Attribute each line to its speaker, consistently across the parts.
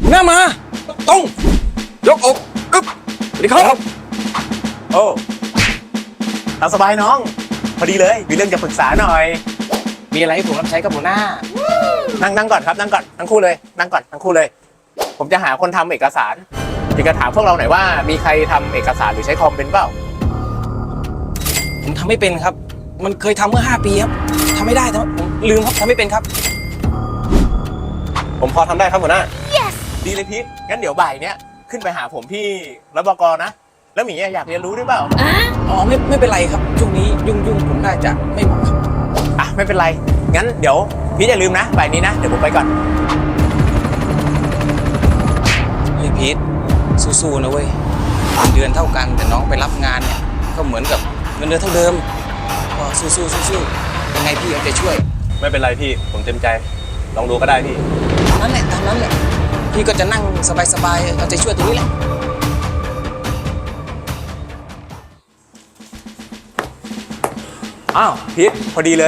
Speaker 1: หน้ามาตรงยกอกอึ๊บสวัสดีครับ
Speaker 2: โอ้ตามสบายน้อง พอดีเลยมีเรื่องจะปรึกษาหน่อย
Speaker 1: มีอะไรให้ผมรับใช้กับหัวหน้า
Speaker 2: นั่งก่อนครับนั่งก่อนทั้งคู่เลยนั่งก่อนทั้งคู่เลย ผมจะหาคนทำเอกสารอยากจะถามพวกเราหน่อยว่ามีใครทำเอกสารหรือใช้คอมเป็นเปล่า
Speaker 1: ผมทำไม่เป็นครับ มันเคยทำเมื่อ5 ปีครับทำไม่ได้แต่ผมลืมครับทำไม่เป็นครับ
Speaker 2: ผมพอทำได้ครับหัวหน้า yes. ดีเลยพีทงั้นเดี๋ยวบ่ายเนี้ยขึ้นไปหาผมที่รบก.นะ แล้วหมีอยากเรียนรู้ด้วยเปล่า
Speaker 1: อ๋อไม่เป็นไรครับช่วงนี้ยุ่งผมน่าจะไม่เหมาะครับ
Speaker 2: อ่ะไม่เป็นไรงั้นเดี๋ยวพีทอย่าลืมนะบ่ายนี้นะเดี๋ยวผมไปก่อน
Speaker 1: เฮ้ยพีทสู้ๆนะเว้ยเงินเดือนเท่ากันแต่น้องไปรับงานเนี่ยก็เหมือนกับเงินเดือนเท่าเดิมก็สู้ยังไงพี่เอาใจช่วย
Speaker 2: ไม่เป็นไรพี่ผมเต็มใจลองดูก็ได้พี่
Speaker 1: ตามนั้นแหละพี่ก็จะนั่งสบายๆเอาใจช่วยตรงนี้แหละ
Speaker 2: อ้าวพีทพอดีเลย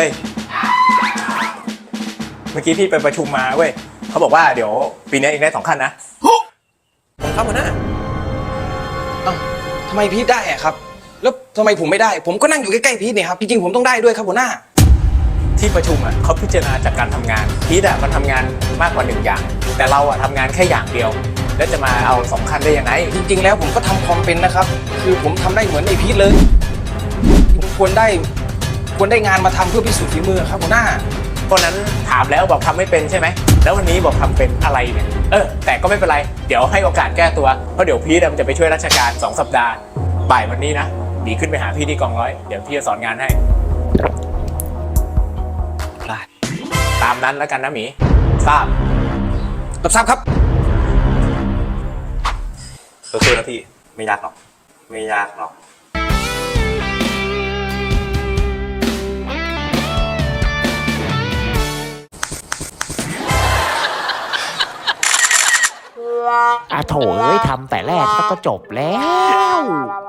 Speaker 2: เมื่อกี้พี่ไปประชุมมาเว้ยเขาบอกว่าเดี๋ยวปีนี้เองได้2 ขั้นนะผมครับหัวหน้า
Speaker 1: อ้าวทำไมพีทได้อะครับแล้วทำไมผมไม่ได้ผมก็นั่งอยู่ใกล้ๆพีทเนี่ยครับจริงๆผมต้องได้ด้วยครับหัวหน้า
Speaker 2: ที่ประชุมเขาพิจารณาจากการทำงานพีทมันทำงานมากกว่า1 อย่าง แต่เราทำงานแค่อย่างเดียว แล้วจะมาเอา2 ขั้นได้ยังไง
Speaker 1: จริงๆแล้วผมก็ทำคอมเป็นนะครับคือผมทำได้เหมือนไอพีทเลยผมควรได้งานมาทำเพื่อพิสูจน์ฝีมือครับหัวหน้า
Speaker 2: เพราะนั้นถามแล้วบอกทำไม่เป็นใช่ไหมแล้ววันนี้บอกทำเป็นอะไรเนี่ยแต่ก็ไม่เป็นไรเดี๋ยวให้โอกาสแก้ตัวเพราะเดี๋ยวพีทมันจะไปช่วยราชการ2 สัปดาห์บ่ายวันนี้นะดีขึ้นไปหาพี่ที่กองร้อยเดี๋ยวพี่จะสอนงานให้ตามนั้นแล้วกันนะหมีทราบ
Speaker 1: รับทราบครับ
Speaker 2: สู้ๆนะพี่ไม่ยากหรอกไม่ยากหรอก
Speaker 3: โถเอ้ยทำแต่แรกก็จบแล้ว